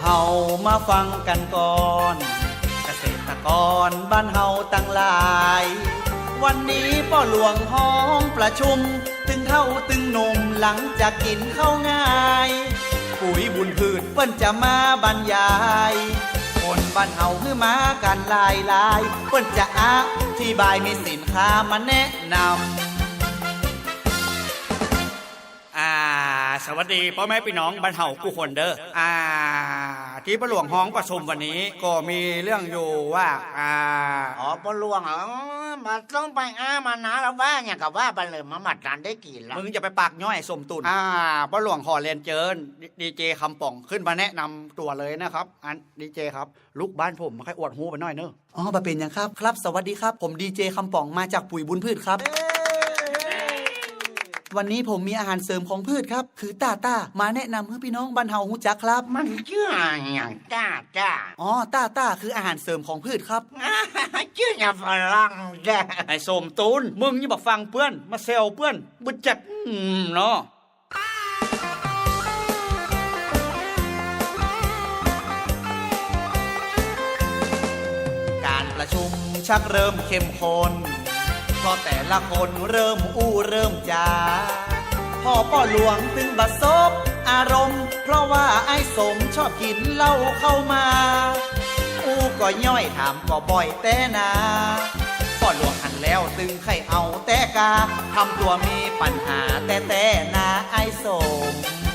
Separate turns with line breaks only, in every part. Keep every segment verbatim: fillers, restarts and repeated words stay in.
เฮามาฟังกันก่อนเกษตรกรบ้านเฮาตั้งหลายวันนี้พ่อหลวงห้องประชุมตึงเท่าตึงหนุ่มหลังจากกินข้าวง่ายปุ๋ยบุญพืชเปิ้นจะมาบรรยายคนบ้านเฮาคือมากันหลายหลายเปิ้นจะอธิบายมีสินค้ามาแนะนำ
อ่าสวัสดีพ่อแม่พี่น้องบ้านเฮาผู้คนเด้ออ่าที่ประหลวงห้องประชุมวันนี้ก็มีเรื่องอยู่ว่าอ่า
อ๋อปลวงเหรอมาต้องไปอ้ามานะแล้วว่าอย่างกับว่าไปเลยมาหมัดร้านได้กี่แล้ว
มึงจะไปปากย่อยสมตุนอ่าประหลวงขอเรียนเจิญดีเจคำป่องขึ้นมาแนะนำตัวเลยนะครับอันดีเจครับลูกบ้านผมมาให้อวดหูไปหน่อยเนอะ
อ๋อบะเป็นยังครับครับสวัสดีครับผมดีเจคำป่องมาจากปุ๋ยบุญพืชครับวันนี้ผมมีอาหารเสริมของพืชครับคือต้าต้ามาแนะนำให้พี่น้องบ้านเฮาฮู้จักครับ
มันชื่ออย่างต้าต้า
อ๋อต้าต้าคืออาหารเสริมของพืชครับ
ชื่ออย่างฝรั่งจ้ะ
ไอ้สมตูนมึงนี่บอกฟังเพื่อนมาเซลเพื่อนบึดจัดอืมเนาะ
การประชุมชักเริ่มเข้มข้นพอแต่ละคนเริ่มอู้เริ่มจาพ่อป้อหลวงตึงบัดซบอารมณ์เพราะว่าไอ้สมชอบกินเหล้าเข้ามาอู้ก็ย่อยถามก็บ่อยแต่นาพ่อหลวงหันแล้วตึงใครเอาแต่กาทำตัวมีปัญหาแต่แต่นาไอ้สม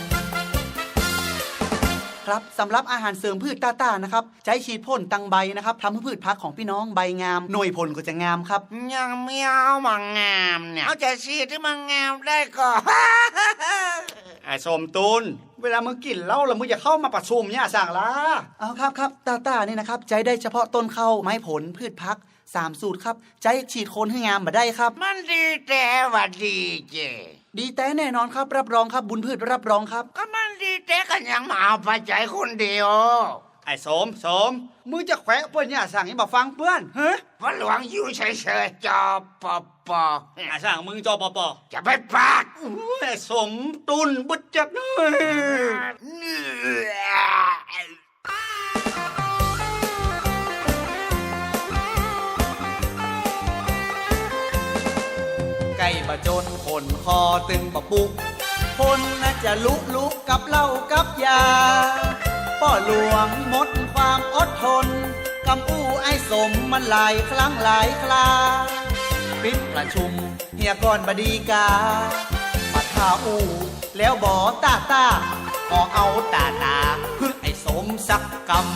ครับสำหรับอาหารเสริมพืชต้าๆนะครับใช้ฉีดพ่นตังใบนะครับทำให้พืชพักของพี่น้องใบงามหน่วยผลก็จะงามครับ
ยังไม่เอามางามเนี่ยเอาแต่ฉีดที่มันงามได้ก่อน
ไอ้สมตูนเวลามึงกินเหล้าแล้วมึงอย่าเข้ามาประชุมเนี่ยสั่งละ
เอาครับครับต้าๆนี่นะครับใช้ได้เฉพาะต้นข้าวไม้ผลพืชพักสามสูตรครับใช้ฉีดโคนให้งามมาได้ครับ
มันดีแต่ว่าดีเจ
ดีแต่แน่นอนครับรับรองครับบุญพืชรับรองครับ
ก็มันดีแต่กันยังมาเอาไปใจคนเดียว
ไอ้สมสมมึงจะแขวะเพื่อนเนี่ยสั่งให้มาฟังเพื่อนเฮ้ย
พระหลวงอยู่เฉยๆจอปอปอ
ไอ้สั่งมึงจอปอปอ
จะไปปาก
ไอ้สมตุนบุญจัด
ไก่บะจนคนคอตึงบะปุกคนน่าจะลุลุกับเหล้ากับยาพ่อหลวงหมดความอดทนกำอู้ไอ้สมมันหลายครั้งหลายคราปิดประชุมเฮียก่อนบดีกามาท่าอู้แล้วบอตาตาก็เอาตาตาพึ่งไอ้สมสักกำ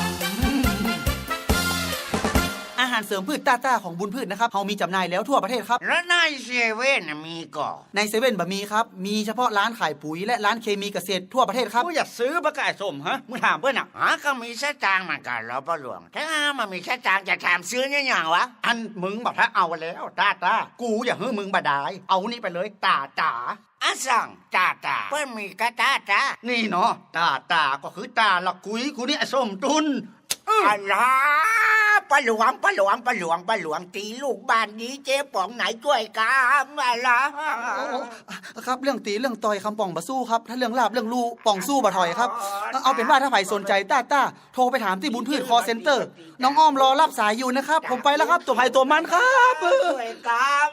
อาหารเสริมพืชต้าๆของบุญพืชนะครับเฮามีจำหน่ายแล้วทั่วประเทศครับ
แล้วในเซเว่นมีก่อ
ในเซเว่นบะมีครับมีเฉพาะร้านขายปุ๋ยและร้านเคมีเกษตรทั่วประเทศครับ
มึงอยากซื้อปะกายสมฮะมึงถามเพื่อนอ่ะ
อ๋อก็มีสตางค์เหมือนกันแล้วพ่อหลวงถ้ามันมีสตางค์จะถามซื้อเนี่ยอย่างวะ
อันมึงบอกถ้าเอาแล้วต้าตากูอย่าให้มึงบาดายเอานี่ไปเลยตาตา
อ่ะสั่งตาตาเพื่อนมีกระตาตา
นี่เนาะตาตาก็คือตาละกุยกูนี่ไอ้ส้มตุน
อะไรป้าหลวงป้าหลวงป้าหลวงป้าหลวงตีลูกบ้านนี้เจ๊ป๋องไหนช่วยกันอะไร
ครับเรื่องตีเรื่องต่อยคำป่องบะสู้ครับถ้าเรื่องลาบเรื่องลูป่องสู้บะถอยครับเอาเป็นว่าถ้าใครสนใจต้าต้าโทรไปถามที่บุญพืชคอเซ็นเตอร์น้องอ้อมรอรับสายอยู่นะครับผมไปแล้วครับตัวไผ่ตัวมันครับ
ช่วยกัน